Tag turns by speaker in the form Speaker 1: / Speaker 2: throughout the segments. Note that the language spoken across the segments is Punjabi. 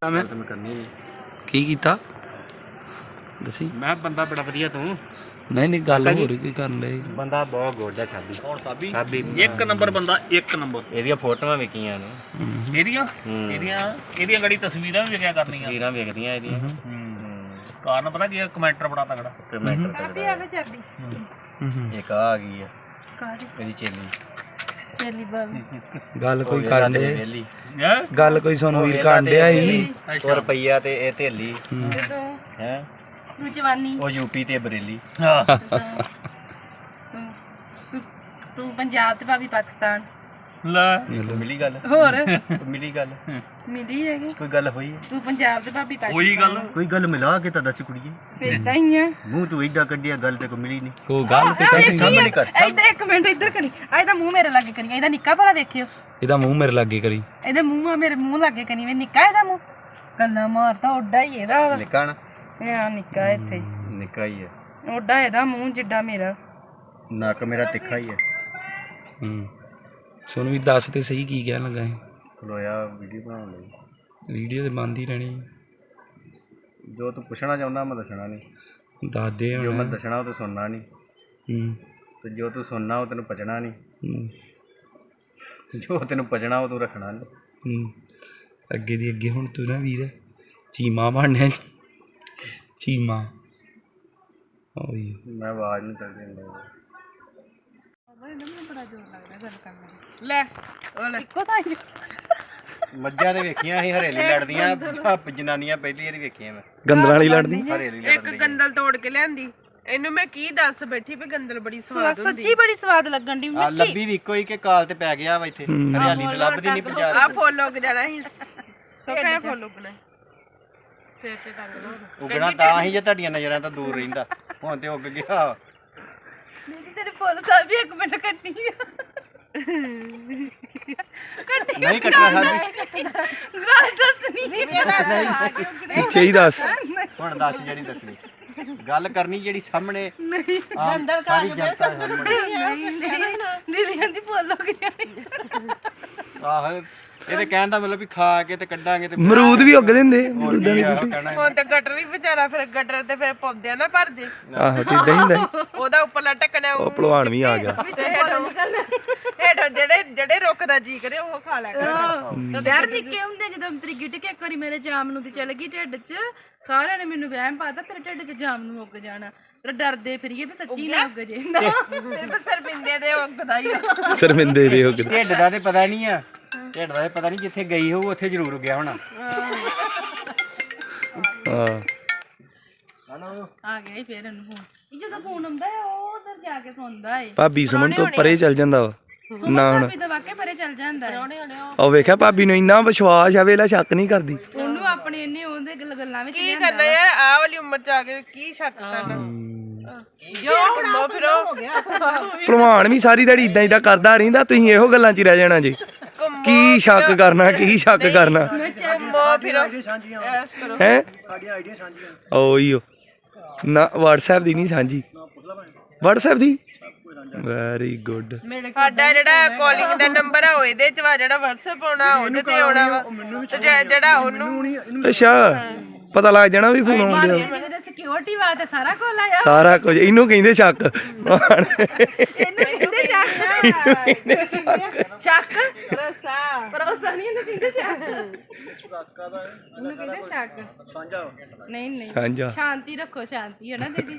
Speaker 1: मैं की कीता दसी
Speaker 2: मैं बंदा बड़ा वधिया तू
Speaker 1: नहीं नहीं गल हो रही कर ले
Speaker 2: बंदा बहुत गुड है साबी कौन साबी साबी
Speaker 3: एक नंबर बंदा एक नंबर
Speaker 2: ਇਹਦੀਆਂ ਫੋਟੋਆਂ ਵਿਕੀਆਂ ਨੇ
Speaker 3: ਇਹਦੀਆਂ ਗੜੀ ਤਸਵੀਰਾਂ ਵੀ ਵਿਕਿਆ ਕਰਨੀਆਂ
Speaker 2: ਤਸਵੀਰਾਂ ਵਿਕਦੀਆਂ ਇਹਦੀਆਂ
Speaker 3: ਕਾਰਨ ਪਤਾ ਕੀ ਕਮੈਂਟਰ ਬੜਾ ਤਗੜਾ
Speaker 2: ਕਮੈਂਟਰ
Speaker 4: ਚਾਬੀ ਆ ਗਈ ਚਾਬੀ
Speaker 2: ਇੱਕ ਆ ਗਈ ਆ
Speaker 4: ਕਾਹਦੀ
Speaker 2: ਇਹਦੀ ਚੇਲੀ
Speaker 4: ਚੇਲੀ ਬਾਬੀ
Speaker 1: गल कोई कर ले
Speaker 2: ਵੇਲੀ
Speaker 1: गल कोई सोनू वीर कर लिया ही
Speaker 2: ਉਹ ਰੁਪਈਆ ਤੇ ਇਹ ਥੇਲੀ
Speaker 4: ਜਦੋਂ
Speaker 2: ਹੈ
Speaker 4: ਤੂੰ ਜਵਾਨੀ
Speaker 2: ਉਹ ਯੂਪੀ ਤੇ ਬਰੇਲੀ
Speaker 4: ਤੂੰ ਪੰਜਾਬ ਤੇ ਭਾਵੇਂ ਪਾਕਿਸਤਾਨ
Speaker 3: ਲੈ
Speaker 2: ਮਿਲੀ ਗੱਲ
Speaker 4: ਹੋਰ
Speaker 2: ਮਿਲੀ ਗੱਲ
Speaker 4: ਮਿਲੀ ਹੈਗੀ
Speaker 2: ਕੋਈ ਗੱਲ ਹੋਈ
Speaker 4: ਤੂੰ ਪੰਜਾਬ ਤੇ ਭਾਵੇਂ ਪਾਕਿਸਤਾਨ
Speaker 3: ਉਹੀ ਗੱਲ
Speaker 2: ਕੋਈ ਗੱਲ ਮਿਲਾ ਕੇ ਤਾਂ ਦੱਸ ਕੁੜੀਏ
Speaker 4: ਇਦਾਂ ਹੀ ਆ
Speaker 2: ਮੂੰਹ ਤੂੰ ਏਡਾ ਕੱਢਿਆ ਗੱਲ ਤੇ ਕੋਈ ਮਿਲੀ ਨਹੀਂ
Speaker 1: कोई गल ते कर
Speaker 2: ਸਾਹਮਣੇ ਕਰ
Speaker 4: ਇਹਦਾ ਇੱਕ ਮਿੰਟ ਇੱਧਰ ਕਰੀ ਇਹਦਾ ਮੂੰਹ ਮੇਰੇ ਲਾਗੇ ਕਰੀ ਇਹਦਾ ਨਿੱਕਾ ਭਲਾ ਵੇਖਿਓ
Speaker 1: ਇਹਦਾ ਮੂੰਹ ਮੇਰੇ ਲਾਗੇ ਕਰੀ
Speaker 4: ਇਹਦਾ ਮੂੰਹ ਮੇਰੇ ਮੂੰਹ ਲਾਗੇ ਕਰੀ ਵੇ ਨਿੱਕਾ ਇਹਦਾ ਮੂੰਹ ਗੱਲਾਂ ਮਾਰਦਾ ਓਡਾ ਹੀ ਇਹਦਾ
Speaker 2: ਨਿੱਕਾ ਨਾ
Speaker 4: ਇਹ ਆ ਨਿੱਕਾ ਇੱਥੇ
Speaker 2: ਨਿੱਕਾ ਹੀ ਹੈ
Speaker 4: ਓਡਾ ਇਹਦਾ ਮੂੰਹ ਜਿੱਡਾ ਮੇਰਾ
Speaker 2: ਨੱਕ ਮੇਰਾ ਤਿੱਖਾ ਹੀ ਹੈ
Speaker 1: सोनू वीर दस ते सही की कहन लगा है
Speaker 2: ਖਲੋਇਆ ਵੀਡੀਓ ਬਣਾਉਣ ਲਈ
Speaker 1: वीडियो ते बंद ही रहनी
Speaker 2: ਜੋ ਤੂੰ ਪੁੱਛਣਾ ਚਾਹੁੰਦਾ ਮੈਂ ਦੱਸਣਾ ਨਹੀਂ
Speaker 1: दस दे
Speaker 2: ਜੋ ਮੈਂ ਦੱਸਣਾ ਉਹ ਤੂੰ ਸੁਣਨਾ ਨਹੀਂ ਤੇ ਜੋ ਤੂੰ ਸੁਣਨਾ ਉਹ ਤੈਨੂੰ ਪਚਣਾ ਨਹੀਂ ਜੋ ਤੈਨੂੰ ਪਚਣਾ ਉਹ ਤੂੰ ਰੱਖਣਾ ਨਹੀਂ
Speaker 1: ਅੱਗੇ ਦੀ ਅੱਗੇ ਹੁਣ ਤੂੰ ਨਾ ਵੀਰ ਚੀਮਾ ਬਣਨਾ ਚੀਮਾ ਓਏ
Speaker 2: ਮੈਂ ਆਵਾਜ਼ ਨਹੀਂ ਚੱਲਦੀ
Speaker 4: ਲੈ ਇੱਕੋ ਤਾਂ
Speaker 2: ਮੱਝਾਂ ਤੇ ਵੇਖੀਆਂ ਸੀ ਹਰੇਲੀ ਲੜਦੀਆਂ ਜਨਾਨੀਆਂ ਪਹਿਲੀ ਵਾਰੀ ਵੇਖੀਆਂ ਮੈਂ
Speaker 1: ਗੰਦਲਾਂ ਵਾਲੀ ਲੜਦੀ
Speaker 2: ਹਰੇਲੀ ਲੜਦੀ
Speaker 5: ਗੰਦਲ ਤੋੜ ਕੇ ਲਿਆਂਦੀ ਇਹਨੂੰ ਮੈਂ ਕੀ ਦੱਸ ਬੈਠੀ ਵੀ ਗੰਦਲ ਬੜੀ ਸਵਾਦ ਹੁੰਦੀ
Speaker 4: ਸੱਚੀ ਬੜੀ ਸਵਾਦ ਲੱਗਣ ਦੀ
Speaker 2: ਆ ਲੱਭੀ ਵੀ ਇੱਕੋ ਹੀ ਕਿ ਕਾਲ ਤੇ ਪੈ ਗਿਆ ਵਾ ਇੱਥੇ ਹਰਿਆਲੀ ਤੇ ਲੱਭਦੀ ਨਹੀਂ ਪੰਜਾਬ
Speaker 5: ਆ ਫੁੱਲ ਉੱਗ ਜਾਣਾ ਸੀ ਸੋਖਾ ਫੁੱਲ ਉੱਗਣਾ ਸਿਰ ਤੇ ਟੰਗ ਲਓ
Speaker 2: ਉਗਣਾ ਤਾਂ ਹੀ ਜੇ ਤੁਹਾਡੀਆਂ ਨਜ਼ਰਾਂ ਤੋਂ ਦੂਰ ਰਹਿੰਦਾ ਹੁਣ ਤੇ ਉੱਗ ਗਿਆ
Speaker 4: ਦੀਦੀ ਤੇਰੇ ਫੁੱਲ ਸਾਹਿਬ ਵੀ ਇੱਕ ਮਿੰਟ ਕੱਟੀ ਕੱਟੀ
Speaker 2: ਨਹੀਂ ਕੱਟਣਾ ਸਾਡੀ
Speaker 4: ਗੱਲ ਦੱਸਣੀ
Speaker 1: ਪਿੱਛੇ ਹੀ ਦੱਸ
Speaker 2: ਹੁਣ ਦੱਸ ਜਿਹੜੀ ਦੱਸਣੀ ਗੱਲ ਕਰਨੀ ਜਿਹੜੀ ਸਾਹਮਣੇ
Speaker 4: ਨਹੀਂ
Speaker 2: ਸਾਰੀ ਜਨਤਾ ਸਾਹਮਣੇ
Speaker 4: ਦੀਦੀ ਕਹਿੰਦੀ ਫੁੱਲ ਉੱਗ ਜਾਣੀ
Speaker 2: ਆਹ ਇਹਦੇ ਕਹਿਣ ਦਾ ਮਤਲਬ ਵੀ ਖਾ ਕੇ ਤੇ ਕੱਢਾਂਗੇ ਤੇ
Speaker 1: ਮਰੂਦ ਵੀ ਉੱਗ ਦਿੰਦੇ
Speaker 2: ਮਰੂਦਾਂ ਦੀ ਬੂਟੀ
Speaker 5: ਹੁਣ ਤੇ ਗਟਰ ਵੀ ਵਿਚਾਰਾ ਫਿਰ ਗਟਰ ਤੇ ਫਿਰ ਪੌਦਿਆਂ ਨਾ ਭਰ ਜੇ
Speaker 1: ਆਹੋ ਕਿਦਾਂ ਹੀ ਹੁੰਦਾ
Speaker 5: ਉਹਦਾ ਉੱਪਰਲਾ ਢੱਕਣਾ
Speaker 1: ਉਹ ਭਲਵਾਨ ਵੀ ਆ ਗਿਆ
Speaker 5: ਹੇਠੋਂ ਜਿਹੜੇ ਰੁੱਖ ਦਾ ਜੀ ਕਰੇ ਉਹ ਖਾ ਲਿਆ ਕਰ
Speaker 4: ਯਾਰ ਨਿੱਕੇ ਹੁੰਦੇ ਜਦੋਂ ਤੇਰੀ ਗਿੱਟ ਕੇ ਇੱਕ ਵਾਰੀ ਮੇਰੇ ਜਾਮ ਨੂੰ ਤੇ ਚਲ ਗਈ ਢਿੱਡ 'ਚ ਸਾਰਿਆਂ ਨੇ ਮੈਨੂੰ ਵਹਿਮ ਪਾਤਾ ਤੇਰੇ ਢਿੱਡ 'ਚ ਜਾਮ ਨੂੰ ਉੱਗ ਜਾਣਾ ਤੇ ਡਰਦੇ ਫਿਰੀਏ ਵੀ ਸੱਚੀ ਨਾ ਉੱਗ ਜੇ
Speaker 5: ਸਿਰਫ ਸਰਬਿੰਦੇ ਦੇ ਉੱਗਦਾ ਹੀ ਆ।
Speaker 1: ਸ਼ਰਮਿੰਦੇ ਦੇ ਹੋ ਕੇ
Speaker 2: ਢਿੱਡ ਦਾ ਤੇ ਪਤਾ ਨਹੀਂ ਆ ਢਿੱਡ ਦਾ ਤੇ ਪਤਾ ਨਹੀਂ ਜਿੱਥੇ ਗਈ ਹੋਊ ਉੱਥੇ ਜ਼ਰੂਰ ਉੱਗਿਆ ਹੋਣਾ
Speaker 1: ਹਾਂ
Speaker 2: ਹਲੋ
Speaker 4: ਆ ਗਿਆ ਹੀ ਫੇਰ ਇਹਨੂੰ ਫੋਨ ਜਦੋਂ ਫੋਨ ਆਉਂਦਾ ਹੈ ਉਹ ਉਧਰ ਜਾ ਕੇ ਸੁਣਦਾ ਏ
Speaker 1: ਭਾਬੀ ਸੁਮਨ ਤੋਂ ਪਰੇ ਚੱਲ ਜਾਂਦਾ ਵਾ ਨਾ ਹੁਣ
Speaker 4: ਵੀ ਤਾਂ ਵਾਕੇ ਪਰੇ ਚੱਲ ਜਾਂਦਾ ਹੈ
Speaker 1: ਉਹ ਵੇਖਿਆ ਭਾਬੀ ਨੂੰ ਇੰਨਾ ਵਿਸ਼ਵਾਸ ਆ ਵੇਲਾ ਸ਼ੱਕ ਨਹੀਂ ਕਰਦੀ
Speaker 4: ਉਹਨੂੰ ਆਪਣੇ ਇੰਨੇ ਉਹਦੇ ਗੱਲਾਂ ਵਿੱਚ
Speaker 5: ਕੀ ਕਰਨਾ ਯਾਰ ਆਹ ਵਾਲੀ ਉਮਰ ਚ ਆ ਕੇ ਕੀ ਸ਼ੱਕ ਕਰਨਾ ਜੋ ਘੁੰਮੋ ਫਿਰੋ
Speaker 1: ਭਲਵਾਨ ਵੀ ਸਾਰੀ ਦਿਹਾੜੀ ਇਦਾਂ ਇਦਾਂ ਕਰਦਾ ਰਹਿੰਦਾ ਤੁਸੀਂ ਇਹੋ ਗੱਲਾਂ 'ਚ ਹੀ ਰਹਿ ਜਾਣਾ ਜੀ ਕੀ ਸ਼ੱਕ ਕਰਨਾ ਕੀ ਸ਼ੱਕ ਕਰਨਾ
Speaker 5: ਘੁੰਮੋ ਫਿਰੋ ਐਸ ਕਰੋ
Speaker 1: ਹੈ ਓਈਓ ਨਾ WhatsApp ਦੀ ਨਹੀਂ ਸਾਂਝੀ WhatsApp ਦੀ ਵੈਰੀ ਗੁੱਡ
Speaker 5: ਸਾਡਾ ਜਿਹੜਾ ਕਾਲਿੰਗ ਦਾ ਨੰਬਰ ਆ ਉਹ ਇਹਦੇ ਚ ਵਾ ਜਿਹੜਾ WhatsApp ਆਉਣਾ ਉਹਦੇ ਤੇ ਆਉਣਾ ਵਾ ਤੇ ਜਿਹੜਾ ਉਹਨੂੰ
Speaker 1: ਅੱਛਾ ਪਤਾ ਲੱਗ ਜਾਣਾ ਵੀ ਫੋਨ ਆਉਣ ਡਿਆ
Speaker 4: ਇਹਦੇ ਸਿਕਿਉਰਿਟੀ ਵਾਸਤੇ ਸਾਰਾ ਕੋਲ ਆਇਆ
Speaker 1: ਸਾਰਾ ਕੁਝ ਇਹਨੂੰ ਕਹਿੰਦੇ ਸ਼ੱਕ
Speaker 4: ਇਹਨੂੰ ਕਹਿੰਦੇ ਸ਼ੱਕ ਭਰੋਸਾ ਨਹੀਂ ਇਹਨੂੰ ਕਹਿੰਦੇ ਸ਼ੱਕ ਇਹਨੂੰ ਕਹਿੰਦੇ ਸ਼ੱਕ ਨਹੀਂ ਨਹੀਂ
Speaker 1: ਸਾਂਝਾ
Speaker 4: ਸ਼ਾਂਤੀ ਰੱਖੋ ਸ਼ਾਂਤੀ ਹੈ ਨਾ ਦੀਦੀ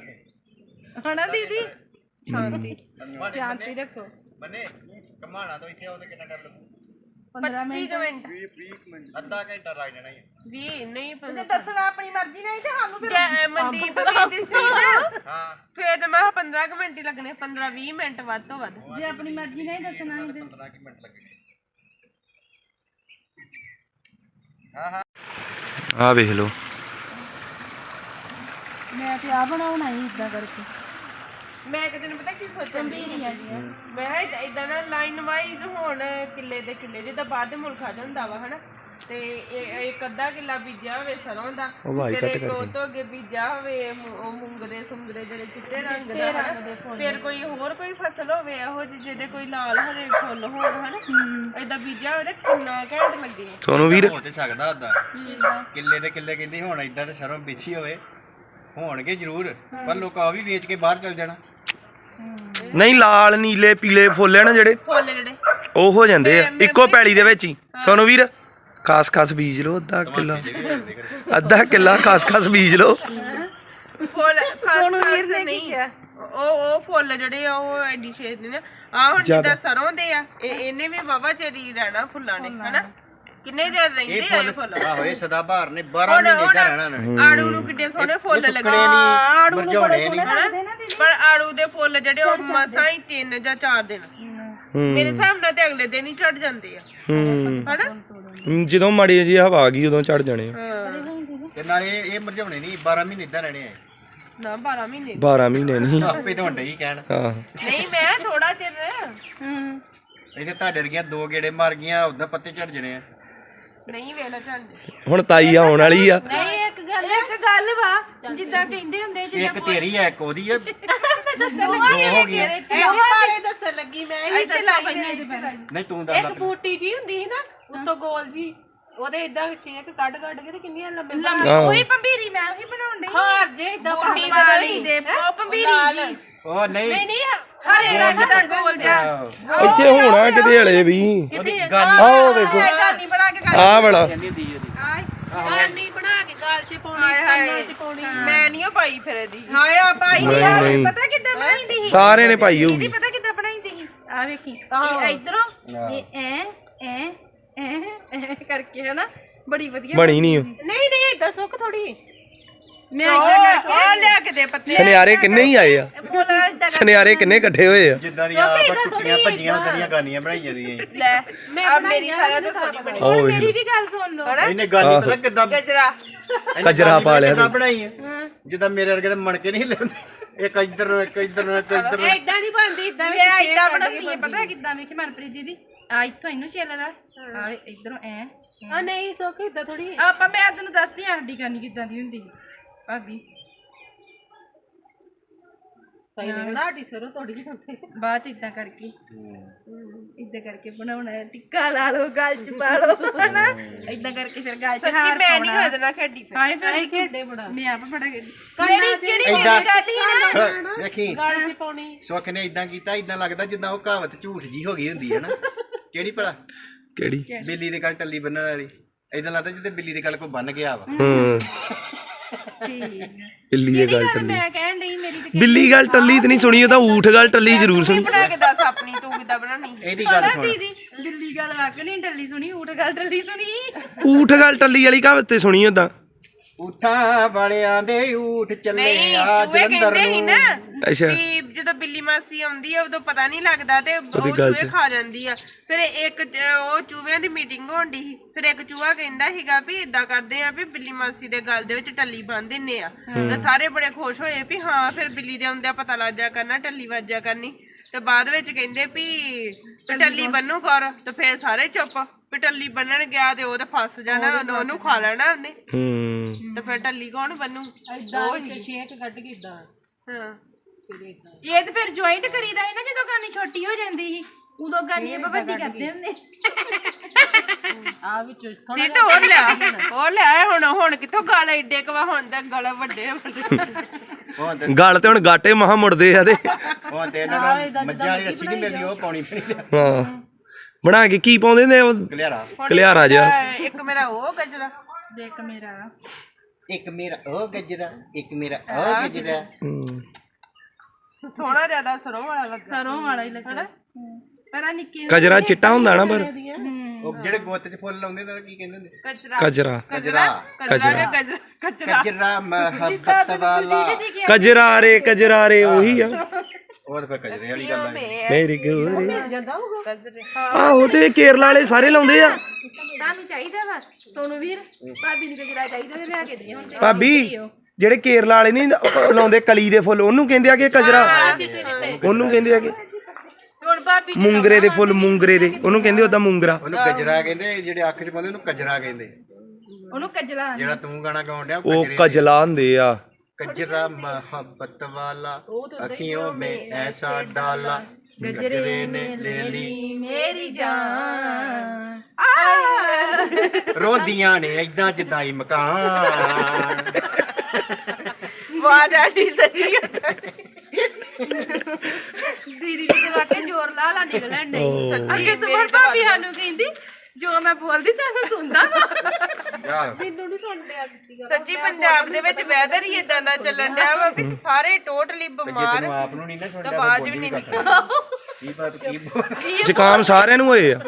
Speaker 4: ਸ਼ਾਂਤੀ ਰੱਖੋ
Speaker 2: ਬੰਨੇ ਕਮਾਣਾ ਤੋਂ ਇੱਥੇ ਆਉਂਦੇ ਕਿੰਨਾ ਟਾਈਮ ਲੱਗੂ
Speaker 4: 15 ਮਿੰਟ
Speaker 2: ਅੱਧਾ ਘੰਟਾ ਲੱਗ ਜਾਣਾ ਹੀ
Speaker 5: 20 ਨਹੀਂ
Speaker 4: ਦੱਸਣਾ ਆਪਣੀ ਮਰਜ਼ੀ ਨਾਲ ਤੇ ਸਾਨੂੰ ਫਿਰ
Speaker 5: ਮਨਦੀਪ ਵੀ ਦੀ ਸਪੀਡ
Speaker 2: ਹਾਂ
Speaker 5: ਫੇਰ ਤੇ ਮੈਂ 15 ਕੁ ਮਿੰਟ ਹੀ ਲੱਗਣੇ 15-20 ਮਿੰਟ ਵੱਧ ਤੋਂ ਵੱਧ
Speaker 4: ਜੇ ਆਪਣੀ ਮਰਜ਼ੀ ਨਾਲ ਹੀ ਦੱਸਣਾ ਹੈ ਤੇ
Speaker 2: 15 ਕਿ ਮਿੰਟ ਲੱਗਣੇ
Speaker 1: ਆ ਵੇਖ ਲਓ
Speaker 4: ਮੈਂ ਤੇ ਆ ਬਣਾਉਣਾ ਹੀ ਇਦਾਂ ਕਰਕੇ
Speaker 5: ਮੈਂ ਇੱਕ ਦਿਨ ਪਤਾ ਕੀ ਸੋਚਿਆ
Speaker 4: ਚੰਬੀਰੀਆਂ ਜੀ
Speaker 5: ਮੈਂ ਇਦਾਂ ਨਾ ਲਾਈਨ ਵਾਈਜ਼ ਹੁਣ ਕਿੱਲੇ ਦੇ ਕਿੱਲੇ ਜਿੱਦਾਂ ਬਾਹਰ ਦੇ ਮੁਲਕ ਆ ਜਾਂਦਾ ਵਾ ਹਨਾ ਤੇ ਇੱਕ ਅੱਧਾ ਕਿੱਲਾ ਬੀਜਿਆ ਹੋਵੇ ਸਰੋਂ ਦਾ
Speaker 1: ਉਹ ਭਾਈ
Speaker 5: ਫਿਰ
Speaker 1: ਕੱਟ
Speaker 5: ਇੱਕ ਉਹ ਤੋਂ ਅੱਗੇ ਬੀਜਿਆ ਹੋਵੇ ਉਹ ਮੂੰਗਰੇ ਸੁੰਗਰੇ ਜਿਹੜੇ ਚਿੱਟੇ ਰੰਗ ਦਾ ਹਨਾ। ਫਿਰ ਕੋਈ ਹੋਰ ਕੋਈ ਫਸਲ ਹੋਵੇ ਇਹੋ ਜਿਹੀ ਜਿਹਦੇ ਕੋਈ ਲਾਲ ਹਰੇ ਫੁੱਲ ਹੋਣ ਹਨਾ ਏਦਾਂ ਬੀਜਿਆ ਹੋਵੇ ਤੇ ਕਿੰਨਾ ਘੈਂਟ ਲੱਗੇ।
Speaker 1: ਤੁਹਾਨੂੰ ਵੀਰ
Speaker 2: ਹੋ ਤੇ ਸਕਦਾ ਉਦਾਂ ਕਿੱਲੇ ਦੇ ਕਿੱਲੇ ਕਹਿੰਦੀ ਹੁਣ ਇਦਾਂ ਤੇ ਸਰੋਂ ਬੀਛੀ ਹੋਵੇ ਹੋਣਗੇ ਜ਼ਰੂਰ ਪਰ ਲੋਕ ਆ ਵੀ ਵੇਚ ਕੇ ਬਾਹਰ ਚਲ ਜਾਣਾ।
Speaker 1: ਨਹੀਂ ਲਾਲ ਨੀਲੇ ਪੀਲੇ ਫੁੱਲ ਆ ਨਾ ਜਿਹੜੇ
Speaker 5: ਫੁੱਲ ਜਿਹੜੇ
Speaker 1: ਉਹ ਹੋ ਜਾਂਦੇ ਆ ਇੱਕੋ ਪੈਲੀ ਦੇ ਵਿੱਚ ਹੀ। ਸੋਨੂੰ ਵੀਰ ਖਾਸ ਖਾਸ ਬੀਜ ਲਓ ਅੱਧਾ ਕਿੱਲਾ ਖਾਸ ਖਾਸ ਬੀਜ ਲਓ।
Speaker 5: ਫੁੱਲ ਖਾਸ ਨਹੀਂ ਉਹ ਫੁੱਲ ਜਿਹੜੇ ਆ ਉਹ ਐਡੀ ਸ਼ੇਪ ਦੇ ਨੇ ਆ ਹੁਣ ਜਿੱਦਾਂ ਸਰੋਂ ਦੇ ਆ ਇਹਨੇ ਵੀ ਵਾਵਾ ਚਰੀ ਰਹਿਣਾ ਫੁੱਲਾਂ ਨੇ ਹਨਾ। ਕਿੰਨੇ ਚਿਰ ਰਹਿੰਦੇ ਆ ਇਹ ਫੁੱਲ।
Speaker 2: ਆਹੋ ਇਹ ਸਦਾ ਬਹਾਰ ਨੇ 12 ਮਹੀਨੇ ਇਦਾਂ ਰਹਿਣਾ ਇਹਨਾਂ ਨੇ।
Speaker 5: ਆੜੂ ਨੂੰ ਕਿੱਡੇ ਸੋਹਣੇ ਫੁੱਲ ਲੱਗੇ
Speaker 2: ਮੁਰਝਾਉਣੇ ਨਹੀਂ
Speaker 5: ਪਰ ਆੜੂ ਦੇ ਫੁੱਲ ਜਿਹੜੇ ਉਹ ਮਸਾਂ ਹੀ 3 ਜਾਂ 4 ਦਿਨ ਮੇਰੇ ਹਿਸਾਬ ਨਾਲ ਤੇ ਅਗਲੇ ਦਿਨ ਹੀ ਝੜ ਜਾਂਦੇ ਆ ਹਨਾ।
Speaker 1: ਜਦੋਂ ਮਾੜੀ ਜਿਹੀ ਹਵਾ ਆ ਗਈ ਉਦੋਂ ਚੜ ਜਾਣੇ
Speaker 2: ਤੇ ਨਾਲੇ ਇਹ ਮੁਰਝਾਉਣੇ ਨਹੀਂ 12 ਮਹੀਨੇ ਇਦਾਂ ਰਹਿਣੇ ਆ।
Speaker 5: ਨਾ 12 ਮਹੀਨੇ
Speaker 1: 12 ਮਹੀਨੇ ਨਹੀਂ
Speaker 2: ਆਪੇ ਤਾਂ ਹੁੰਦੇ ਹੀ ਕਹਿਣ
Speaker 1: ਹਾਂ
Speaker 5: ਨਹੀਂ ਮੈਂ ਥੋੜਾ ਚਿਰ
Speaker 2: ਇਹਦੇ ਤੁਹਾਡੇ ਵਰਗੀਆਂ 2 ਗੇੜੇ ਮਾਰ ਗਈਆਂ ਉਦਾਂ ਪੱਤੇ ਝੜ ਜਣੇ ਆ।
Speaker 5: ਨਹੀਂ ਵੇਲਾ ਝੜਦੇ
Speaker 1: ਹੁਣ ਤਾਈ ਆਉਣ ਵਾਲੀ ਆ।
Speaker 4: ਨਹੀਂ ਇੱਕ ਗੱਲ ਵਾ ਜਿੱਦਾਂ ਕਹਿੰਦੇ ਹੁੰਦੇ
Speaker 2: ਇੱਕ ਤੇਰੀ ਆ ਇੱਕ ਉਹਦੀ ਆ
Speaker 5: ਦੱਸਣ
Speaker 2: ਲੱਗੀ ਹੋ ਗਈਆਂ
Speaker 5: ਬਾਰੇ ਦੱਸਣ ਲੱਗੀ ਮੈਂ ਇੱਥੇ
Speaker 2: ਨਹੀਂ ਤੂੰ ਦੱਸ
Speaker 5: ਇੱਕ ਬੂਟੀ ਜੀ ਹੁੰਦੀ ਸੀ ਨਾ ਉੱਤੋਂ ਗੋਲ ਜੀ ਉਹਦੇ ਇਦਾਂ ਛੇਕ ਕੱਢ ਕੇ ਤੇ ਕਿੰਨੀਆਂ ਲੰਮੇ
Speaker 4: ਉਹੀ ਪੰਬੀਰੀ ਮੈਂ ਉਹੀ ਬਣਾਉਣ ਡਈ
Speaker 5: ਹਾਰ ਜੇ ਇਦਾਂ
Speaker 4: ਬੂਟੀ ਵਾਲੀ ਦੇ ਉਹ ਪੰਬੀਰੀ ਜੀ
Speaker 2: ਉਹ ਨਹੀਂ
Speaker 5: ਨਹੀਂ
Speaker 4: ਹਰੇ ਰੰਗ ਦਾ ਗੋਲ ਜਿਹਾ
Speaker 1: ਇੱਥੇ ਹੋਣਾ ਕਿਤੇ ਹਲੇ ਵੀ
Speaker 2: ਉਹਦੀ ਗੱਲ
Speaker 1: ਆਹ ਦੇਖੋ
Speaker 4: ਗਾਨੀ ਬਣਾ ਕੇ
Speaker 1: ਆਹ ਬੜਾ
Speaker 5: ਗਾਨੀ ਬਣਾ ਕੇ ਗਾਲ 'ਚ ਪਾਉਣੀ ਕੰਨਾਂ 'ਚ ਪਾਉਣੀ ਮੈਂ ਨਹੀਂ ਪਾਈ ਫਿਰ ਇਹਦੀ
Speaker 4: ਹਾਏ ਆ ਭਾਈ ਦੀ ਯਾਰ
Speaker 1: ਨਹੀਂ।
Speaker 4: ਪਤਾ ਕਿੱਦਾਂ ਬਣਾਈਦੀ ਸੀ
Speaker 1: ਸਾਰਿਆਂ ਨੇ ਪਾਈ
Speaker 4: ਇਹਦੀ
Speaker 1: ਹੋਊਗੀ
Speaker 4: ਪਤਾ ਕਿੱਦਾਂ ਬਣਾਈਦੀ ਸੀ ਆ ਵੇਖੀ ਇਹ ਇਧਰੋਂ ਇਹ ਐ ਕਰਕੇ ਹਨਾ ਬੜੀ ਵਧੀਆ
Speaker 1: ਬਣੀ ਨਹੀਂ ਉਹ
Speaker 5: ਨਹੀਂ ਇਦਾਂ ਸੁੱਕ ਥੋੜੀ
Speaker 4: ਮੈਂ ਇਦਾਂ ਕਰਕੇ
Speaker 5: ਆ ਲਿਆ ਕੇ ਦੇ ਪੱਤੇ
Speaker 1: ਸੁਨਿਆਰੇ ਕਿੰਨੇ ਹੀ ਆਏ ਆ
Speaker 4: ਫੁੱਲ ਇਦਾਂ
Speaker 1: ਸੁਨਿਆਰੇ ਕਿੰਨੇ ਇਕੱਠੇ ਹੋਏ ਆ
Speaker 2: ਜਿੱਦਾਂ ਦੀਆਂ ਆਪਾਂ ਟੁੱਟੀਆਂ ਭੱਜੀਆਂ ਉਦਾਂ ਦੀਆਂ ਗਾਨੀਆਂ ਬਣਾਈ ਜਾਂਦੀਆਂ ਸੀ।
Speaker 5: ਲੈ ਮੈਂ ਮੇਰੀ ਸਾਰਿਆਂ ਤੋਂ ਸੋਹਣੀ ਬਣੀ
Speaker 1: ਆਹ ਵੇਖ
Speaker 4: ਮੇਰੀ ਵੀ ਗੱਲ ਸੁਣ ਲਓ
Speaker 2: ਇਹਨੇ ਗਾਨੀ ਪਤਾ ਕਿੱਦਾਂ
Speaker 5: ਗਜਰਾ
Speaker 1: ਕਜਰਾ ਪਾ ਲਿਆ
Speaker 2: ਕਿੱਦਾਂ ਬਣਾਈ ਹੈ ਜਿੱਦਾਂ ਮੇਰੇ ਵਰਗੇ ਦੇ ਮਣਕੇ ਨਹੀਂ ਲੈਂਦੇ ਇੱਕ ਇੱਧਰ ਨੂੰ ਇੱਕ ਇੱਧਰ ਨੂੰ ਇੱਕ ਇੱਧਰ ਨੂੰ
Speaker 5: ਇਦਾਂ ਨਹੀਂ ਬਣਦੀ ਇਦਾਂ
Speaker 4: ਮੈਂ ਇਦਾਂ ਬਣਾਉਂਦੀ ਹੈ ਪਤਾ ਕਿੱਦਾਂ ਵੇਖੀ ਮਨਪ੍ਰੀਤ ਦੀਦੀ ਆ ਇੱਥੋਂ ਇਹਨੂੰ ਛੇਲ ਲੈ ਆ ਇਧਰੋਂ ਐ
Speaker 5: ਆ ਨਹੀਂ ਸੁੱਕ ਇਦਾਂ ਥੋੜੀ
Speaker 4: ਆਪਾਂ ਮੈਂ ਤੈਨੂੰ ਦੱਸਦੀ ਆ ਸਾਡੀ ਗਾਨੀ ਕਿੱਦਾਂ ਦੀ ਹੁੰਦੀ ਭਾਬੀ
Speaker 5: ਸਹੀ ਨਹੀਂ ਬਣਾਟੀ ਸਰੋਂ ਥੋੜੀ ਜਿਹੀ
Speaker 4: ਬਾਅਦ ਚ ਇਦਾਂ ਕਰਕੇ ਇਦਾਂ ਕਰਕੇ ਬਣਾਉਣਾ ਹੈ ਟਿੱਕਾ ਲਾ ਲਓ ਗਲ ਚ ਪਾ ਲਓ ਹਨਾ ਇਦਾਂ ਕਰਕੇ ਫਿਰ ਗਲ ਚ ਹਾਰ
Speaker 5: ਮੈਂ ਨਹੀਂ ਇਹਦੇ ਨਾਲ ਖੇਡੀ ਫਿਰ
Speaker 4: ਹਾਏ ਫਿਰ ਖੇਡੇ ਬੜਾ ਮੈਂ ਆਪ ਬੜਾ ਖੇਡੀ ਜਿਹੜੀ ਮੇਰੀ ਗੱਲ ਹੀ ਨਾ
Speaker 2: ਵੇਖੀ
Speaker 5: ਗਾਲ 'ਚ ਪਾਉਣੀ
Speaker 2: ਸੁੱਖ ਨੇ ਇਦਾਂ ਕੀਤਾ ਇਦਾਂ ਲੱਗਦਾ ਜਿੱਦਾਂ ਉਹ ਕਹਾਵਤ ਝੂਠ ਜੀ ਹੋ ਗਈ ਹੁੰਦੀ ਹੈ ਨਾ ਕਿਹੜੀ ਭਲਾ
Speaker 1: ਕਿਹੜੀ
Speaker 2: ਬਿੱਲੀ ਦੇ ਗੱਲ ਟੱਲੀ ਬੰਨਣ ਵਾਲੀ ਇਦਾਂ ਲੱਗਦਾ ਜਿੱਦਾਂ ਬਿੱਲੀ ਦੇ ਗੱਲ ਕੋਈ ਬੰਨ ਗਿਆ ਵਾ
Speaker 1: ਹੂੰ ਬਿੱਲੀ ਦੀ ਗੱਲ ਟੱਲੀ
Speaker 4: ਮੈਂ ਕਹਿਣ ਡਈ ਮੇਰੀ ਤੇ
Speaker 1: ਬਿੱਲੀ ਗੱਲ ਟੱਲੀ ਤੇ ਨਹੀਂ ਸੁਣੀ ਉਹ ਤਾਂ ਊਠ ਗੱਲ ਟੱਲੀ ਜ਼ਰੂਰ ਸੁਣੀ
Speaker 5: ਬਣਾ ਕੇ ਦੱਸ ਆਪਣੀ ਤੂੰ ਕਿੱਦਾਂ ਬਣਾਣੀ
Speaker 2: ਇਹਦੀ ਗੱਲ ਸੁਣ
Speaker 4: ਦੀਦੀ ਬਿੱਲੀ ਗੱਲ ਵਾਕ ਨਹੀਂ ਟੱਲੀ ਸੁਣੀ ਊਠ ਗੱਲ ਟੱਲੀ ਸੁਣੀ
Speaker 1: ਊਠ ਗੱਲ ਟੱਲੀ ਵਾਲੀ ਕਹਾਵਤ ਤੇ ਸੁਣੀ ਉਦਾਂ
Speaker 2: ਊਠਾਂ ਵਾਲਿਆਂ ਦੇ ਊਠ ਚੱਲੇ
Speaker 5: ਨਹੀਂ
Speaker 2: ਆ
Speaker 5: ਚੂਹੇ
Speaker 2: ਜਲੰਧਰ
Speaker 5: ਕਹਿੰਦੇ ਸੀ ਨਾ
Speaker 1: ਅੱਛਾ
Speaker 5: ਵੀ ਜਦੋਂ ਬਿੱਲੀ ਮਾਸੀ ਆਉਂਦੀ ਆ ਉਦੋਂ ਪਤਾ ਨਹੀਂ ਲੱਗਦਾ ਤੇ ਉਹ
Speaker 1: ਗੱਲ
Speaker 5: ਚੂਹੇ ਖਾ ਜਾਂਦੀ ਆ ਫਿਰ ਇੱਕ ਉਹ ਚੂਹਿਆਂ ਦੀ ਮੀਟਿੰਗ ਹੋਣੀ ਸੀ ਫਿਰ ਇੱਕ ਚੂਹਾ ਕਹਿੰਦਾ ਸੀਗਾ ਵੀ ਇਦਾਂ ਕਰਦੇ ਆ ਵੀ ਬਿੱਲੀ ਮਾਸੀ ਦੇ ਗਲ ਦੇ ਵਿੱਚ ਟੱਲੀ ਬੰਨ ਦਿੰਨੇ ਆ ਤੇ ਸਾਰੇ ਬੜੇ ਖੁਸ਼ ਹੋਏ ਵੀ ਹਾਂ ਫਿਰ ਬਿੱਲੀ ਦੇ ਆਉਂਦਿਆਂ ਪਤਾ ਲੱਗ ਜਾ ਕਰਨਾ ਟੱਲੀ ਵੱਜਿਆ ਕਰਨੀ ਤੇ ਬਾਅਦ ਵਿੱਚ ਕਹਿੰਦੇ ਵੀ ਟੱਲੀ ਬੰਨੂ ਕਰ ਤੇ ਫਿਰ ਸਾਰੇ ਚੁੱਪ ਵੀ ਟੱਲੀ ਬੰਨਣ ਗਿਆ ਤੇ ਉਹ ਤਾਂ ਫਸ ਜਾਣਾ ਉਹਨੂੰ ਖਾ ਲੈਣਾ ਉਹਨੇ
Speaker 1: ਹੂੰ
Speaker 5: ਤੇ ਫਿਰ ਟੱਲੀ ਕੌਣ ਬੰਨੂ
Speaker 6: ਇਦਾਂ ਸ਼ੇਕ ਕੱਢ ਕੇ ਇਦਾਂ
Speaker 5: ਹਾਂ
Speaker 4: ਇਹ ਤੇ ਫਿਰ ਜੁਆਇੰਟ ਕਰੀਦਾ ਹੈ ਨਾ ਜਦੋਂ ਗਾਨੀ ਛੋਟੀ ਹੋ ਜਾਂਦੀ ਸੀ ਉਦੋਂ ਗਾਨੀ ਆਪਾਂ ਵੱਡੀ ਕਰਦੇ ਹੁੰਦੇ
Speaker 6: ਆ ਵਿੱਚ
Speaker 5: ਸੀਟ ਹੋਰ ਲਿਆ ਹੁਣ ਕਿੱਥੋਂ ਗਲ ਏਡੇ ਕਵਾ ਹੁਣ ਤਾਂ ਗਲ ਵੱਡੇ
Speaker 2: ਹੁਣ ਤੇ
Speaker 1: ਗੱਲ ਤੇ ਹੁਣ ਗਾਟੇ ਮਹਾ ਮੁੜਦੇ ਆ ਤੇ
Speaker 2: ਹੁਣ ਤੇ ਇਹਨਾਂ ਨੂੰ ਮੱਝਾਂ ਵਾਲੀ ਰੱਸੀ ਨਹੀਂ ਮਿਲਦੀ ਉਹ ਪਾਉਣੀ ਪੈਣੀ
Speaker 1: ਹਾਂ ਬਣਾ ਕੇ ਕੀ ਪਾਉਂਦੇ ਨੇ ਉਹ
Speaker 2: ਕਲਿਆਰਾ
Speaker 1: ਕਲਿਆਰਾ ਜਿਹਾ
Speaker 5: ਇੱਕ ਮੇਰਾ ਉਹ ਗਜਰਾ
Speaker 4: ਦੇਖ ਮੇਰਾ
Speaker 2: ਇੱਕ ਮੇਰਾ ਉਹ ਗਜਰਾ ਇੱਕ ਮੇਰਾ ਉਹ ਗਜਰਾ
Speaker 1: ਹੂੰ
Speaker 5: ਸੋਹਣਾ ਜ਼ਿਆਦਾ ਸਰੋਂ ਵਾਲਾ ਲੱਗਦਾ
Speaker 4: ਸਰੋਂ ਵਾਲਾ ਹੀ ਲੱਗਦਾ ਪਰ ਆ ਨਿੱਕੇ
Speaker 1: ਕਜਰਾ ਚਿੱਟਾ ਹੁੰਦਾ ਨਾ ਪਰ
Speaker 2: ਉਹ ਜਿਹੜੇ ਗੁੱਤ 'ਚ ਫੁੱਲ ਲਾਉਂਦੇ ਨੇ ਕੀ ਕਹਿੰਦੇ ਹੁੰਦੇ
Speaker 5: ਕਚਰਾ
Speaker 1: ਕਜਰਾ
Speaker 5: ਕਚਰਾ ਕਚਰਾ
Speaker 2: ਗਜਰਾ ਮੁਹੱਬਤ ਵਾਲਾ
Speaker 1: ਕਜਰਾਰੇ ਉਹੀ ਆ
Speaker 2: ਉਹ ਤਾਂ ਫਿਰ ਕਜਰੇ ਵਾਲੀ ਗੱਲ ਹੈ
Speaker 1: ਮੇਰੀ ਗੋਰੀ
Speaker 5: ਕਚਰੇ
Speaker 1: ਆਹੋ ਤੇ ਕੇਰਲਾ ਵਾਲੇ ਸਾਰੇ ਲਾਉਂਦੇ ਆ
Speaker 4: ਤੁਹਾਨੂੰ ਚਾਹੀਦਾ ਵਾ ਸੋਨੂ ਵੀਰ ਭਾਬੀ ਨੂੰ ਗਜਰਾ ਚਾਹੀਦਾ ਤੇ ਲਿਆ ਕੇ ਦੇ ਹੁਣ ਤੇ
Speaker 1: ਭਾਬੀ ਜਿਹੜੇ ਕੇਰਲਾ ਵਾਲੇ ਨਹੀਂ ਲਾਉਂਦੇ ਕਲੀ ਦੇ ਫੁੱਲ ਉਹਨੂੰ ਕਹਿੰਦੇ ਆ ਕਿ ਕਜਰਾ ਉਹਨੂੰ ਕਹਿੰਦੇ ਆ ਕਿ
Speaker 4: ਹੁਣ ਭਾਬੀ ਭਾਬੀ ਜੀ
Speaker 1: ਮੂੰਗਰੇ ਦੇ ਫੁੱਲ ਮੂੰਗਰੇ ਦੇ ਉਹਨੂੰ ਕਹਿੰਦੇ ਉਹਦਾ ਮੂੰਗਰਾ
Speaker 2: ਉਹਨੂੰ ਗਜਰਾ ਕਹਿੰਦੇ, ਜਿਹੜੇ ਅੱਖ 'ਚ ਪਾਉਂਦੇ ਉਹਨੂੰ ਕਜਰਾ ਕਹਿੰਦੇ।
Speaker 4: ਉਹਨੂੰ ਕਜਲਾ
Speaker 2: ਜਿਹੜਾ ਤੂੰ ਗਾਣਾ ਗਾਉਣ ਡਿਆ
Speaker 1: ਉਹ ਕਜਲਾ ਹੁੰਦੇ ਆ।
Speaker 2: कजरा मोहब्बत वाला अखियों में ऐसा डाला गजरे ने ले ली
Speaker 4: ਮੇਰੀ ਜਾਨ
Speaker 2: ਰੋਂਦੀਆਂ ਨੇ ਏਦਾਂ ਜਿੱਦਾਂ ਹੀ ਮਕਾਨ।
Speaker 5: ਵਾਹ ਡੈਡੀ ਸੱਚੀ
Speaker 4: ਦੀਦੀ ਦੇ ਵਾਕੇ ਜ਼ੋਰ ਲਾ ਲਾ ਨਿਕਲਣ ਨਹੀਂ
Speaker 1: ਓ।
Speaker 4: ਅੱਗੇ ਸੁਮਨ ਭਾਬੀ ਸਾਨੂੰ ਕਹਿੰਦੀ ਜੋ ਮੈਂ ਬੋਲਦੀ ਤੈਨੂੰ ਸੁਣਦਾ
Speaker 2: ਯਾਰ
Speaker 4: ਮੈਨੂੰ ਨਹੀਂ ਸੁਣਦਿਆ ਸੱਚੀ ਗੱਲ
Speaker 5: ਸੱਚੀ ਪੰਜਾਬ ਦੇ ਵਿੱਚ ਵੈਦਰ ਹੀ ਇਦਾਂ ਦਾ ਚੱਲਣ ਡਿਆ ਵਾ ਵੀ ਸਾਰੇ ਟੋਟਲੀ
Speaker 2: ਜੇ
Speaker 5: ਬਿਮਾਰ
Speaker 2: ਤੈਨੂੰ ਆਪ ਨੂੰ ਨਹੀਂ ਨਾ ਸੁਣਦਾ
Speaker 5: ਆਵਾਜ਼ ਵੀ ਨਹੀਂ
Speaker 2: ਕੀ ਬਾਤ ਕੀ ਬੋਲ
Speaker 1: ਜ਼ੁਕਾਮ ਸਾਰਿਆਂ ਨੂੰ ਹੋਏ ਆ।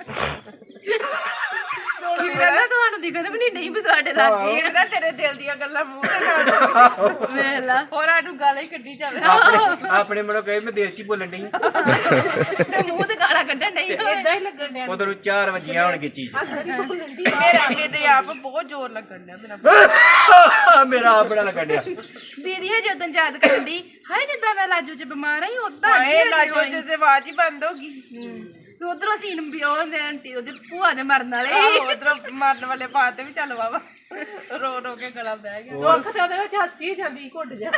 Speaker 4: ਸੋਣੀ ਰਹਿੰਦਾ ਤੁਹਾਨੂੰ ਦਿਖਣ ਵੀ ਨਹੀਂ ਵੀ ਤੁਹਾਡੇ ਲੱਗੇ
Speaker 5: ਇਹਦਾ ਤੇਰੇ ਦਿਲ ਦੀਆਂ ਗੱਲਾਂ ਮੂੰਹ ਤੇ ਕਰ
Speaker 4: ਵੇਖ ਲਾ
Speaker 5: ਹੋਰਾਂ ਨੂੰ ਗਾਲਾਂ ਹੀ ਕੱਢੀ ਜਾਵੇ
Speaker 2: ਆਪਣੇ ਮਨੋਂ ਕਹੇ ਮੈਂ ਦੇਰ ਚ ਹੀ ਬੋਲਣ ਡਈ
Speaker 4: ਤੇ ਮੂੰਹ ਤੇ ਗਾਲਾਂ ਕੱਢਣ ਨਹੀਂ
Speaker 6: ਇਦਾਂ ਹੀ ਲੱਗਣ ਡਿਆ
Speaker 2: ਉਧਰ 4 ਵਜੀਆਂ ਹੋਣਗੇ ਚੀਜ਼
Speaker 5: ਮੇਰਾ ਮੇਰੇ ਆਪ ਬਹੁਤ ਜ਼ੋਰ ਲੱਗਣ ਡਿਆ ਮੇਰਾ
Speaker 2: ਮੇਰਾ ਆਪ ਬੜਾ ਲੱਗਣ ਡਿਆ।
Speaker 4: ਦੀਦੀ ਹੈ ਜਦੋਂ ਯਾਦ ਕਰਦੀ ਹਾਏ ਜਿੱਦਾਂ ਮੈਂ ਲਾਜੂ ਚ ਬਿਮਾਰ ਆਈ ਉਦਾਂ
Speaker 5: ਹਾਏ ਲਾਜੋ ਚ ਤੇ ਆਵਾਜ਼ ਹੀ ਬੰਦ ਹੋ ਗਈ
Speaker 4: ਤੇ ਉਧਰੋਂ ਸੀਨ ਵੀ ਉਹ ਨੇ ਆਂਟੀ ਉਹਦੇ ਭੂਆ ਦੇ ਮਰਨ ਵਾਲੇ
Speaker 5: ਉਧਰੋਂ ਮਰਨ ਵਾਲੇ ਪਾਤੇ ਵੀ ਚੱਲ ਵਾਵਾ ਰੋ ਰੋ ਕੇ ਗਲਾ ਬਹਿ ਗਿਆ
Speaker 6: ਸੁੱਖ ਤੇ ਉਹਦੇ ਵਿੱਚ ਹੱਸੀ ਜਾਂਦੀ ਘੁੱਟ ਜਾ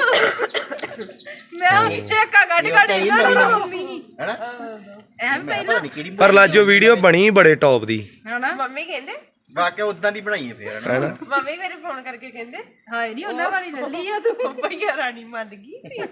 Speaker 4: ਮੈਂ ਟੇਕਾ ਕੱਢ ਕੱਢ ਇਹਨਾਂ ਮੰਮੀ
Speaker 2: ਹੈਨਾ
Speaker 4: ਐਮ
Speaker 2: ਮੈਂ ਪਤਾ ਨਹੀਂ ਕਿਹੜੀ
Speaker 1: ਪਰ ਲਾਜੋ ਵੀਡੀਓ ਬਣੀ ਬੜੇ ਟੌਪ ਦੀ।
Speaker 4: ਹਨਾ
Speaker 5: ਮੰਮੀ ਕਹਿੰਦੇ
Speaker 2: ਵਾਕਿਆ ਉਦਾਂ ਦੀ ਬਣਾਈ ਹੈ ਫੇਰ ਹਨਾ।
Speaker 1: ਹੈਨਾ
Speaker 5: ਮੰਮੀ ਮੇਰੇ ਫੋਨ ਕਰਕੇ ਕਹਿੰਦੇ
Speaker 4: ਹਾਏ ਨਹੀਂ ਉਹਨਾਂ ਵਾਲੀ ਲੱਲੀ ਆ ਤੂੰ
Speaker 5: ਭਈਆ ਰਾਣੀ ਮੰਨ ਗਈ ਸੀ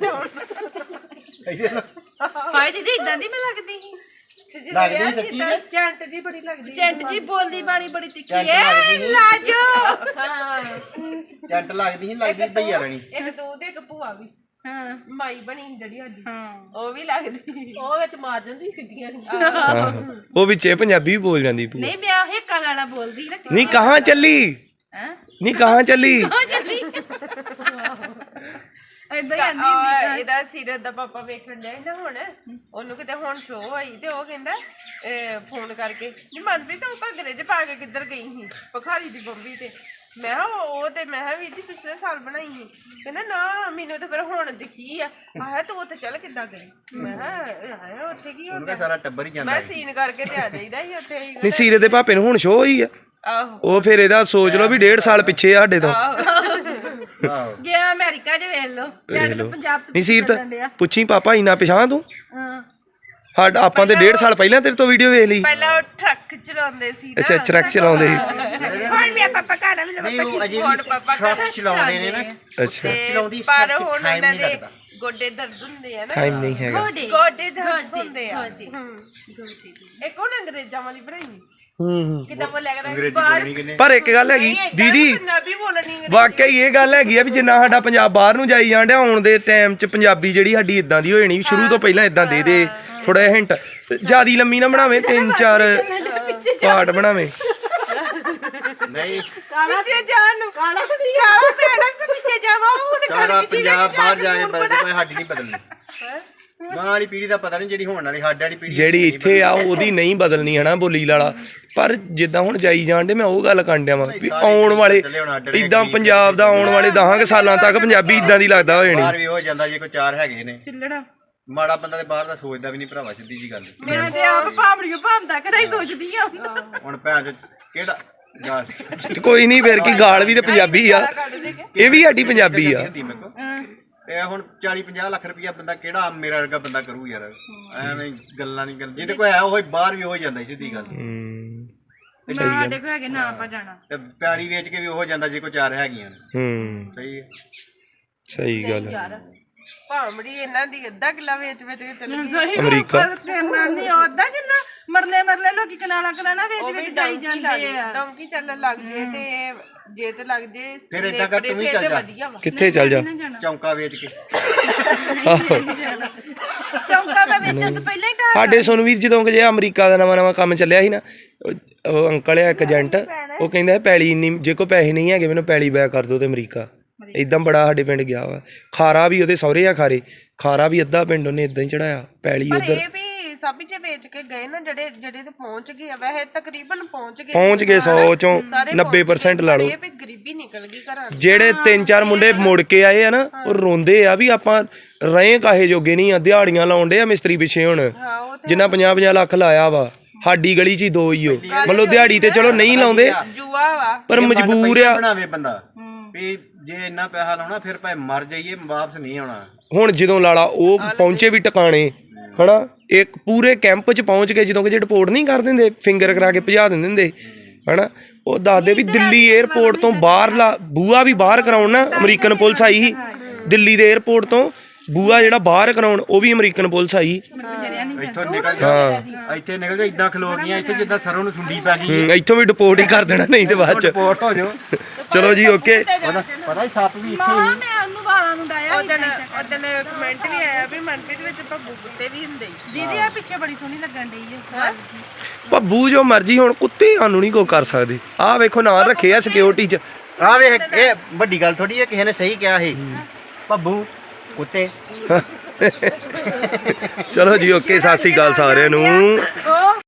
Speaker 4: ਹਾਏ ਦੀਦੀ ਇਦਾਂ ਦੀ ਮੈਂ ਲੱਗਦੀ ਸੀ
Speaker 2: ਲੱਗਦੀ ਸੀ ਸੱਚੀ ਨੇ
Speaker 6: ਚੰਟ ਜੀ ਬੜੀ ਲੱਗਦੀ
Speaker 4: ਚੈਂਟ ਜੀ ਬੋਲੀ ਬਾਣੀ ਬੜੀ ਤਿੱਖੀ
Speaker 2: ਚੰਟ
Speaker 4: ਏ
Speaker 2: ਲੱਗਦੀ ਸੀ।
Speaker 4: ਲਾਜੋ
Speaker 6: ਹਾਂ
Speaker 2: ਚੱਟ ਲੱਗਦੀ ਸੀ ਲੱਗਦੀ ਭਈਆ ਰਾਣੀ।
Speaker 5: ਇੱਕ ਤੂੰ ਤੇ ਇੱਕ ਭੂਆ ਵੀ
Speaker 4: ਹਾਂ
Speaker 5: ਮਾਈ ਬਣੀ ਸੀ ਜਿਹੜੀ ਸਾਡੀ
Speaker 4: ਹਾਂ
Speaker 5: ਉਹ ਵੀ ਲੱਗਦੀ
Speaker 6: ਉਹ ਵਿੱਚ ਮਾਰ ਜਾਂਦੀ ਸਿੱਧੀਆਂ ਨਹੀਂ
Speaker 1: ਆਹੋ। ਉਹ ਵਿੱਚੇ ਪੰਜਾਬੀ ਵੀ ਬੋਲ ਜਾਂਦੀ ਭੂਆ।
Speaker 4: ਨਹੀਂ ਮੈਂ ਹੇਕਾ ਗਾਣਾ ਬੋਲਦੀ ਨਾ
Speaker 1: ਨਹੀਂ ਕਹਾਂ ਚੱਲੀ
Speaker 4: ਹਾਂ
Speaker 1: ਨਹੀਂ ਕਹਾਂ ਚੱਲੀ
Speaker 4: ਹੋ ਚੱਲੀ ਏਦਾਂ ਹੀ ਆਂਦੀ ਹੁੰਦੀ
Speaker 5: ਇਹਦਾ ਸੀਰਤ ਦਾ ਪਾਪਾ ਵੇਖਣ ਡਿਆ ਸੀ ਨਾ ਹੁਣ ਉਹਨੂੰ ਕਿਤੇ ਹੁਣ ਸ਼ੋਅ ਹੋਈ ਤੇ ਉਹ ਕਹਿੰਦਾ ਫੋਨ ਕਰਕੇ ਜੀ ਮਨਪ੍ਰੀਤ ਉਹ ਘੱਗਰੇ ਚ ਪਾ ਕੇ ਕਿੱਧਰ ਗਈ ਸੀ ਭਖਾਰੀ ਦੀ ਬੰਬੀ ਤੇ ਮੈਂ ਕਿਹਾ ਉਹ ਤੇ ਮੈਂ ਕਿਹਾ ਵੀਰ ਜੀ ਪਿਛਲੇ ਸਾਲ ਬਣਾਈ ਸੀ ਕਹਿੰਦਾ ਨਾ ਮੈਨੂੰ ਤਾਂ ਫਿਰ ਹੁਣ ਦਿਖੀ ਆ ਆਹ ਤੂੰ ਉੱਥੇ ਚੱਲ ਕਿੱਦਾਂ ਗਈ ਮੈਂ ਕਿਹਾ ਆਇਆ ਉੱਥੇ ਕੀ
Speaker 2: ਉਹਨੂੰ
Speaker 5: ਹੁੰਦਾ
Speaker 2: ਕਹ ਸਾਰਾ ਟੱਬਰ ਹੀ ਜਾਂਦਾ
Speaker 5: ਮੈਂ ਸੀਨ ਕਰਕੇ ਤੇ ਆ ਜਾਈਦਾ ਸੀ ਉੱਥੇ ਹੀ
Speaker 1: ਨਹੀਂ ਸੀਰੇ ਦੇ ਭਾਪੇ ਨੂੰ ਹੁਣ ਸ਼ੋਅ ਹੋਈ ਆ।
Speaker 5: ਆਹੋ
Speaker 1: ਉਹ ਫਿਰ ਇਹਦਾ ਸੋਚ ਲਓ ਵੀ 1.5 ਸਾਲ ਪਿੱਛੇ ਆ ਸਾਡੇ ਤੋਂ।
Speaker 2: ਆਹੋ
Speaker 4: ਗਿਆ ਅਮਰੀਕਾ ਚ ਵੇਖ ਲਓ ਡੈਡ ਨੂੰ ਪੰਜਾਬ ਤੋਂ
Speaker 1: ਨਹੀਂ ਸੀਰਤ
Speaker 4: ਡਿਆ
Speaker 1: ਪੁੱਛੀ ਪਾਪਾ ਇੰਨਾ ਪਛਾਣ ਤੂੰ
Speaker 4: ਹਾਂ
Speaker 1: ਆਪਾਂ ਤੇ 1.5 ਸਾਲ ਪਹਿਲਾਂ ਤੇਰੇ ਤੋਂ ਵੀਡੀਓ ਵੇਖ ਲਈ।
Speaker 5: ਪਹਿਲਾਂ ਉਹ ਟਰੱਕ ਚਲਾਉਂਦੇ ਸੀ ਨਾ
Speaker 1: ਅੱਛਾ ਟਰੱਕ ਚਲਾਉਂਦੇ ਸੀ।
Speaker 4: ਹੁਣ ਵੀ ਪਾਪਾ ਘਰ ਵੀ
Speaker 2: ਨਹੀਂ ਉਹ ਅਜੇ
Speaker 5: ਹੁਣ
Speaker 2: ਵੀ
Speaker 5: ਪਾਪਾ
Speaker 2: ਟਰੱਕ ਚਲਾਉਂਦੇ ਨੇ ਨਾ
Speaker 1: ਅੱਛਾ
Speaker 2: ਚਲਾਉਂਦੀ ਇਸ
Speaker 5: ਪਰ
Speaker 2: ਕਰਕੇ
Speaker 5: ਹੁਣ
Speaker 2: time
Speaker 5: ਇਹਨਾਂ
Speaker 2: ਨਹੀਂ
Speaker 5: ਦੇ
Speaker 2: ਲੱਗਦਾ।
Speaker 5: ਗੋਡੇ ਦਰਦ ਹੁੰਦੇ ਆ ਨਾ
Speaker 1: ਟਾਈਮ ਨਹੀਂ ਹੈਗਾ।
Speaker 5: ਗੋਡੇ ਦਰਦ ਹੁੰਦੇ ਆ ਇੱਕ ਹੁਣ ਅੰਗਰੇਜ਼ਾਂ ਵਾਲੀ ਬਣਾਈ
Speaker 1: ਹੂੰ
Speaker 5: ਕਿਦਾਂ ਬੋਲਿਆ ਕਰਾਂ
Speaker 2: ਅੰਗਰੇਜ਼ੀ ਬੋਲਣੀ ਕਿੰਨੇ
Speaker 1: ਪਰ ਇੱਕ ਗੱਲ ਹੈਗੀ ਦੀਦੀ
Speaker 5: ਪੰਜਾਬੀ ਬੋਲਣੀ
Speaker 1: ਵਾਕਈ ਇਹ ਗੱਲ ਹੈਗੀ ਆ ਵੀ ਜਿੰਨਾ ਸਾਡਾ ਪੰਜਾਬ ਬਾਹਰ ਨੂੰ ਜਾਈ ਜਾਂਦਿਆ ਆਉਣ ਦੇ ਟਾਈਮ 'ਚ ਪੰਜਾਬੀ ਜਿਹੜੀ ਸਾਡੀ ਇਦਾਂ ਦੀ ਹੋ ਜਾਣੀ ਸ਼ੁਰੂ ਤੋਂ ਪਹਿਲਾਂ ਇਦਾਂ ਦੇ ਥੋੜਾ ਜਿਹਾ ਹਿੰਟ ਜਿਆਦੀ ਲੰਮੀ ਨਾ ਬਣਾਵੇ 3-4 ਪਾਰਟ ਬਣਾਵੇ।
Speaker 2: ਨਹੀਂ
Speaker 4: ਪਿੱਛੇ ਜਾਣ ਨੂੰ ਕਾਲਾ ਭੈਣਾ ਪਿੱਛੇ ਜਾਵਾ ਉਹ
Speaker 2: ਸਾਰਾ ਪੰਜਾਬ ਬਾਹਰ ਜਾ ਕੇ ਬਦਲਦੀ ਮੈਂ ਸਾਡੀ ਨਹੀਂ ਬਦਲਣੀ ਮਾਂ ਵਾਲੀ ਪੀੜ੍ਹੀ ਦਾ ਪਤਾ ਨਹੀਂ ਜਿਹੜੀ ਹੋਣ ਵਾਲੀ ਸਾਡੀ ਵਾਲੀ ਪੀੜ੍ਹੀ
Speaker 1: ਜਿਹੜੀ ਇੱਥੇ ਆ ਉਹਦੀ ਨਹੀਂ ਬਦਲਣੀ ਹਨਾ ਬੋਲੀ ਵਾਲਾ ਪਰ ਜਿੱਦਾਂ ਹੁਣ ਜਾਈ ਜਾਂਦੇ ਮੈਂ ਉਹ ਗੱਲ ਕਰਨ ਡਿਆ ਵਾਂ ਵੀ ਆਉਣ ਵਾਲੇ ਇਦਾਂ ਪੰਜਾਬ ਦਾ ਆਉਣ ਵਾਲੇ 10 ਸਾਲਾਂ ਤੱਕ ਪੰਜਾਬੀ ਇਦਾਂ ਦੀ ਲੱਗਦਾ ਹੋ ਜਾਣੀ।
Speaker 2: ਬਾਹਰ ਵੀ ਹੋ ਜਾਂਦਾ ਜੇ ਕੋਈ 4 ਹੈਗੇ ਨੇ
Speaker 4: ਚਿੱਲੜਾ
Speaker 2: ਮਾੜਾ ਬੰਦਾ ਤੇ ਬਾਹਰ ਦਾ ਸੋਚਦਾ ਵੀ ਨਹੀਂ ਭਰਾਵਾ ਸਿੱਧੀ ਜੀ ਗੱਲ।
Speaker 4: ਮੈਂ ਤੇ ਆਪ ਭਾਮੜੀਓ ਭਾਮਦਾ ਕਰਾਈ ਸੋਚਦੀ ਆ
Speaker 2: ਹੁਣ ਭੈਣ ਚੋ ਕਿਹੜਾ ਗਾਲ
Speaker 1: ਤੇ ਕੋਈ ਨਹੀਂ ਫਿਰ ਕੀ ਗਾਲ ਵੀ ਤੇ ਪੰਜਾਬੀ ਆ ਇਹ ਵੀ ਸਾਡੀ ਪੰਜਾਬੀ ਆ।
Speaker 2: ਹੁੰਦੀ ਮੇਰੇ ਕੋਲ ਇਹ ਹੁਣ 40-50 ਲੱਖ ਰੁਪਇਆ ਬੰਦਾ ਕਿਹੜਾ ਮੇਰਾ ਵਰਗਾ ਬੰਦਾ ਕਰੂ ਯਾਰ ਐਵੇਂ ਗੱਲਾਂ ਨਹੀਂ ਕਰ ਜਿਹਦੇ ਕੋਈ ਹੈ ਉਹ ਹੀ ਬਾਹਰ ਵੀ ਹੋ ਜਾਂਦਾ ਸਿੱਧੀ ਗੱਲ।
Speaker 4: ਨਾ ਦੇਖੋ ਹੈਗੇ ਨਾ ਆਪਾਂ ਜਾਣਾ
Speaker 2: ਤੇ ਪਿਆੜੀ ਵੇਚ ਕੇ ਵੀ ਉਹ ਜਾਂਦਾ ਜੇ ਕੋਈ 4 ਹੈਗੀਆਂ ਨੇ। ਸਹੀ ਹੈ
Speaker 1: ਸਹੀ ਗੱਲ ਹੈ।
Speaker 5: ਯਾਰ ਭਾਮੜੀ ਇਹਨਾਂ ਦੀ ਅੱਧਾ ਕਿੱਲਾ ਵੇਚ ਵੇਚ ਕੇ ਚੱਲ ਗਈ
Speaker 4: ਸਹੀ
Speaker 1: ਅਮਰੀਕਾ।
Speaker 4: ਕਰਨਾ ਨਹੀਂ ਉਹਦਾ ਜਿੰਨਾ ਮਰਲੇ ਲੋਕੀ ਕਨਾਲਾ ਵੇਚ ਵੇਚ ਜਾਈ ਜਾਂਦੇ ਆ
Speaker 5: ਡੌਂਕੀ ਚੱਲ ਲੱਗ ਜੇ ਤੇ ਜੇ ਤੇ ਲੱਗ ਜੇ
Speaker 2: ਫਿਰ ਏਦਾਂ ਕਰ ਤੂੰ ਵੀ ਚੱਲ ਜਾ।
Speaker 5: ਵਧੀਆ ਵਾ
Speaker 1: ਕਿੱਥੇ ਚੱਲ ਜਾ
Speaker 2: ਚੌਂਕਾ ਵੇਚ ਕੇ
Speaker 4: ਚੌਂਕਾ ਮੈਂ ਵੇਚਣ ਤੋਂ ਪਹਿਲਾਂ ਹੀ ਢਾਹ
Speaker 1: ਸਾਡੇ ਸੋਨਵੀਰ ਜਦੋਂ ਕਿ ਜੇ ਅਮਰੀਕਾ ਦਾ ਨਵਾਂ ਕੰਮ ਚੱਲਿਆ ਸੀ ਨਾ ਉਹ ਅੰਕਲ ਆ ਇੱਕ ਏਜੰਟ ਉਹ ਕਹਿੰਦਾ ਪੈਲੀ ਇੰਨੀ ਜੇ ਕੋਈ ਪੈਸੇ ਨਹੀਂ ਹੈਗੇ ਮੈਨੂੰ ਪੈਲੀ ਬੈਕ ਕਰ ਦਿਓ ਤੇ ਅਮਰੀਕਾ ਇਦਾਂ ਬੜਾ ਸਾਡੇ ਪਿੰਡ ਗਿਆ ਵਾ ਖਾਰਾ ਵੀ ਉਹਦੇ ਸਹੁਰੇ ਆ ਖਾਰਾ ਵੀ ਅੱਧਾ ਪਿੰਡ ਉਹਨੇ ਇਦਾਂ ਹੀ ਚੜਾਇਆ ਪੈਲੀ
Speaker 5: ਪਰ
Speaker 1: ਉਧਰ
Speaker 5: ਇਹ ਵੀ ਸਭ ਜੇ ਵੇਚ ਕੇ ਗਏ ਨਾ ਜਿਹੜੇ ਤੇ ਪਹੁੰਚ ਗਏ ਆ ਵੈਸੇ ਤਕਰੀਬਨ ਪਹੁੰਚ ਗਏ
Speaker 1: 100 ਚੋਂ 90% ਲਾ ਲਓ।
Speaker 5: ਇਹ ਵੀ ਗਰੀਬੀ ਨਿਕਲ ਗਈ ਘਰਾਂ ਦੀ
Speaker 1: ਜਿਹੜੇ 3-4 ਮੁੰਡੇ ਮੁੜ ਕੇ ਆਏ ਆ ਨਾ ਉਹ ਰੋਂਦੇ ਆ ਵੀ ਆਪਾਂ ਰਹੇ ਕਾਹੇ ਜੋਗੇ ਨਹੀਂ ਆ ਦਿਹਾੜੀਆਂ ਲਾਉਂਦੇ ਆ ਮਿਸਤਰੀ ਪਿੱਛੇ ਹੁਣ
Speaker 5: ਹਾਂ ਉਹ
Speaker 1: ਜਿੰਨਾ 50-50 ਲੱਖ ਲਾਇਆ ਵਾ ਸਾਡੀ ਗਲੀ 'ਚ ਹੀ 2 ਹੀ ਹੋ ਮਤਲਬ ਦਿਹਾੜੀ ਤੇ ਚਲੋ ਨਹੀਂ ਲਾਉਂਦੇ
Speaker 5: ਜੂਆ ਵਾ
Speaker 1: ਪਰ ਮਜਬੂਰ ਆ
Speaker 2: ਬਣਾਵੇ ਬੰਦਾ ਵੀ ਜੇ ਇੰਨਾ ਪੈਸਾ ਲਾਉਣਾ ਫਿਰ ਭਾਵੇਂ ਮਰ ਜਾਈਏ ਵਾਪਸ ਨਹੀਂ ਆਉਣਾ।
Speaker 1: ਹੁਣ ਜਦੋਂ ਲਾਲਾ ਉਹ ਪਹੁੰਚੇ ਵੀ ਟਿਕਾਣੇ ਹਨਾ ਇੱਕ ਪੂਰੇ ਕੈਂਪ 'ਚ ਪਹੁੰਚ ਕੇ ਜਦੋਂ ਕਿ ਜੇ ਰਿਪੋਰਟ ਨਹੀਂ ਕਰ ਦਿੰਦੇ ਫਿੰਗਰ ਕਰਾ ਕੇ ਭਜਾ ਦਿੰਦੇ ਹੁੰਦੇ ਹਨਾ ਉਹ ਦੱਸਦੇ ਵੀ ਦਿੱਲੀ 에ਅਰਪੋਰਟ ਤੋਂ ਬਾਹਰਲਾ ਬੂਆ ਵੀ ਬਾਹਰ ਕਰਾਉਣ ਨਾ ਅਮਰੀਕਨ ਪੁਲਿਸ ਆਈ ਸੀ ਦਿੱਲੀ ਦੇ 에ਅਰਪੋਰਟ ਤੋਂ ਬੂਆ ਜਿਹੜਾ ਬਾਹਰ ਕਰਾਉਣ ਉਹ ਵੀ ਅਮਰੀਕਨ ਪੁਲਿਸ ਆਈ
Speaker 2: ਇੱਥੋਂ ਨਿਕਲ ਜਾ ਇੱਥੇ ਨਿਕਲ ਜਾ ਇਦਾਂ ਖਲੋ ਗਈਆਂ ਇੱਥੇ ਜਿੱਦਾਂ ਸਰੋਂ ਨੂੰ ਸੁੰਡੀ ਪੈ ਗਈ
Speaker 1: ਇੱਥੋਂ ਵੀ ਡਿਪੋਰਟ ਹੀ ਕਰ ਦੇਣਾ ਨਹੀਂ ਤੇ ਬਾਅਦ 'ਚ
Speaker 2: ਰਿਪੋਰਟ ਹੋ ਜਾਓ।
Speaker 1: ਚਲੋ ਜੀ ਓਕੇ
Speaker 2: ਪਤਾ ਹੀ ਸੱਪ ਵੀ ਇੱਥੇ
Speaker 4: ਹਾਂ ਮੈਂ ਉਹਨੂੰ ਵਾਲਾਂ ਨੂੰ ਡਾਇਆ
Speaker 5: ਉਦੋਂ ਕਮੈਂਟ ਵੀ ਆਇਆ ਵੀ ਮਨਪ੍ਰੀਤ ਵਿੱਚ ਭੱਬੂ ਕੁੱਤੇ ਵੀ ਹੁੰਦੇ ਈ।
Speaker 4: ਦੀਦੀ ਆ ਪਿੱਛੇ ਬੜੀ ਸੋਹਣੀ ਲੱਗਣ ਡਈ ਹੈ
Speaker 1: ਬੱਬੂ ਜੋ ਮਰਜੀ ਹੁਣ ਕੁੱਤੇ ਸਾਨੂੰ ਨਹੀਂ ਕੋ ਕਰ ਸਕਦੇ ਆਹ ਵੇਖੋ ਨਾਂ ਰੱਖੇ ਆ ਸਿਕਿਉਰਿਟੀ 'ਚ
Speaker 2: ਆ ਵੇਖ ਇਹ ਵੱਡੀ ਗੱਲ ਥੋੜੀ ਹੈ ਕਿਸੇ ਨੇ ਸਹੀ ਕਿਹਾ ਸੀ ਭੱਬੂ ਕੁੱਤੇ।
Speaker 1: ਚਲੋ ਜੀ ਓਕੇ ਸਤਿ ਸ੍ਰੀ ਅਕਾਲ ਸਾਰਿਆਂ ਨੂੰ।
Speaker 4: ਉਹ